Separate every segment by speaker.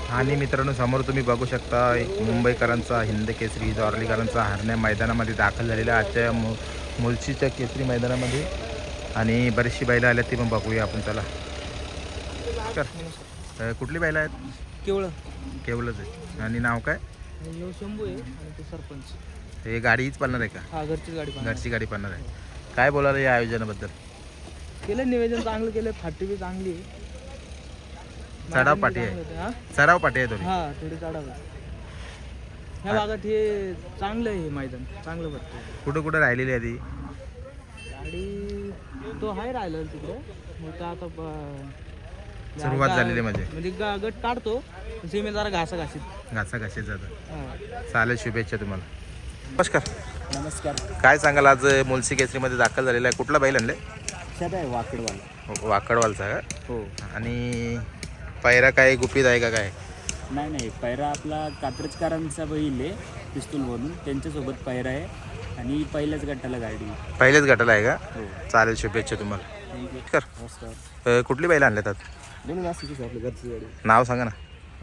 Speaker 1: आणि मित्रांनो समोर तुम्ही बघू शकता मुंबईकरांचा हिंद केसरी द्वारलीकरांचा हरण्या मैदानामध्ये दाखल झालेला आजच्या मुलशीच्या केसरी मैदानामध्ये आणि बरीचशी बैलं आल्यात ती पण बघूया आपण. चला कुठली बैलं आहेत? केवळच आहे. आणि नाव काय?
Speaker 2: शंभू आहे आणि ते सरपंच.
Speaker 1: हे गाडीच पाळणार आहे का?
Speaker 2: हा, घरची गाडी
Speaker 1: पाळणार आहे. काय बोलायला या आयोजनाबद्दल?
Speaker 2: केलं निवेदन चांगलं केलं, फाटी बी चांगली आहे.
Speaker 1: चढाव पाठी आहे. चढाव पाठी आहे थोडी.
Speaker 2: हा, थोडी चढाव आहे. ह्या भागात हे चांगलं आहे, हे मैदान चांगलं वाटतं.
Speaker 1: कुठं कुठं राहिलेली आहे ती
Speaker 2: गाडी? तो आहे राहिला तिकडे. मग आता
Speaker 1: सुरुवात झालेली
Speaker 2: म्हणजे गट काढतो सीमे जरा
Speaker 1: घासाघाशीत जातं. चालेल, शुभेच्छा तुम्हाला.
Speaker 2: नमस्कार.
Speaker 1: काय सांगाल आज मुलसी केसरीमध्ये दाखल झालेला आहे? कुठला बैल आणले?
Speaker 2: वाकडवाला.
Speaker 1: वाकडवालचा का?
Speaker 2: हो.
Speaker 1: आणि पैरा काय गुपित आहे का काय?
Speaker 2: नाही, पैरा आपला कात्रजकरांचा बैल आहे, पिस्तूल म्हणून त्यांच्यासोबत पैरा आहे आणि पहिल्याच गटाला गाडी.
Speaker 1: पहिल्याच गटाला आहे का?
Speaker 2: हो.
Speaker 1: चालेल, शुभेच्छा तुम्हाला.
Speaker 2: नमस्कार.
Speaker 1: कुठली बैल आणले त्यात?
Speaker 2: दोन्ही नाशिकची आपली घरची गाडी.
Speaker 1: नाव सांगा ना.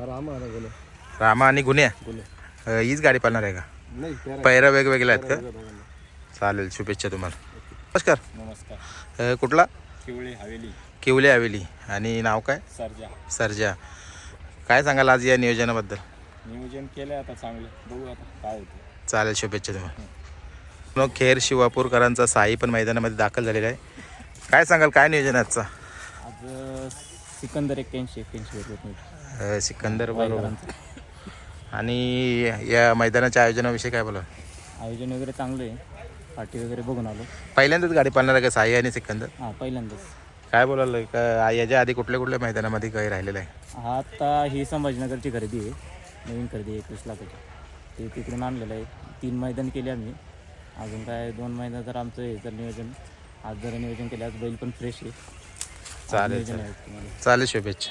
Speaker 1: रामा आणि गुन्ह्या. हीच गाडी पाळणार आहे का?
Speaker 2: नाही,
Speaker 1: पैरा वेगवेगळे आहेत का? चालेल, शुभेच्छा तुम्हाला.
Speaker 2: नमस्कार.
Speaker 1: कुठला? किवले हवेली. आणि नाव काय? सर्जा. काय सांगाल आज या नियोजनाबद्दल?
Speaker 2: नियोजन केलं आता चांगलं, बघू आता काय होतं.
Speaker 1: चालेल, शुभेच्छा तुम्हाला. खेर शिवापूरकरांचा साई पण मैदानामध्ये दाखल झालेला आहे. काय सांगाल, काय नियोजन आहे आजचा?
Speaker 2: आज सिकंदर 81
Speaker 1: सिकंदर बरोबर. आणि या मैदानाच्या आयोजनाविषयी काय बोला?
Speaker 2: आयोजन वगैरे चांगलं आहे, पार्टी वगैरे बघून आलो.
Speaker 1: पहिल्यांदाच गाडी पाळणार आहे का साई आणि सिकंदर?
Speaker 2: हां, पहिल्यांदाच.
Speaker 1: काय बोलायला का याच्या आधी कुठल्या मैदानामध्ये काही राहिलेलं आहे?
Speaker 2: हा, आता ही संभाजीनगरची खरेदी आहे, नवीन खरेदी आहे 21 लाखाची. ते तिकडून आणलेलं आहे. 3 मैदान केले आम्ही, अजून काय 2 मैदान तर आमचं आहे. तर नियोजन आज जरा नियोजन केलं. आज बैल पण फ्रेश आहे.
Speaker 1: चालेल, चालेल, शुभेच्छा.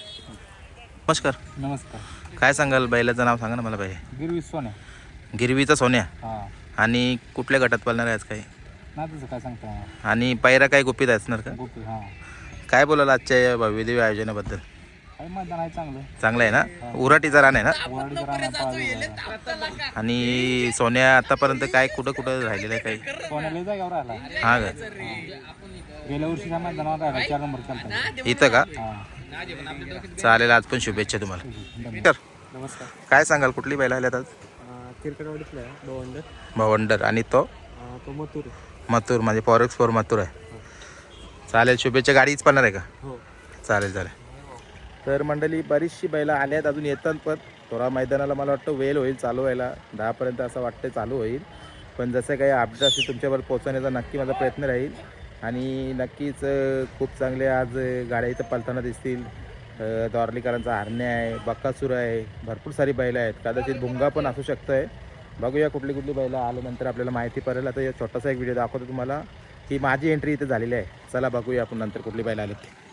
Speaker 1: नमस्कार. काय सांगाल, बैलाचं नाव सांगा ना मला. बाई गिरवीचा सोन्या. आणि कुठल्या गटात पाळणार आहे आज? काही
Speaker 2: काय सांगता.
Speaker 1: आणि पैरा काय गुपित असणार का? काय बोलाल आजच्या या भव्यदेवी आयोजनाबद्दल?
Speaker 2: मैदान आहे
Speaker 1: चांगलं आहे ना? उराटीचा रान आहे ना? आणि सोन्या आतापर्यंत काय कुठं राहिलेलं आहे? काही हा का?
Speaker 2: गेल्या वर्षीच्या मैदानावर राहिला, 4 नंबर चालतात
Speaker 1: इथं का? चालेल, आज पण शुभेच्छा तुम्हाला.
Speaker 2: नमस्कार.
Speaker 1: काय सांगाल, कुठली बैल आल्यात आज?
Speaker 2: किरकटवाडीतला
Speaker 1: भवंडर. आणि तो मथुर म्हणजे फॉरेक्स 4 मथुर आहे. चालेल, शुभेच्छा. गाडीच पाळणार आहे का?
Speaker 2: हो.
Speaker 1: चालेल. तर मंडळी, बरीचशी बैलं आल्यात, अजून येतात. पण थोडा मैदानाला मला वाटतं वेळ होईल चालू व्हायला. 10पर्यंत असं वाटतं चालू होईल. पण जसं काही अपडेट असेल तुमच्यावर पोहोचवण्याचा नक्की माझा प्रयत्न राहील. आणि नक्कीच खूप चांगले आज गाड्या इथं पळताना दिसतील. द्वारलीकरांचा हरण्या आहे, बक्कासूर आहे, भरपूर सारी बैलं आहेत. कदाचित भुंगा पण असू शकतं आहे. बघूया कुठली बैलं आल्यानंतर आपल्याला माहिती पडेल. आता छोटासा एक व्हिडिओ दाखवतो तुम्हाला की माझी एंट्री इथे झालेली आहे. चला बघूया आपण नंतर कुठली बैलं आली.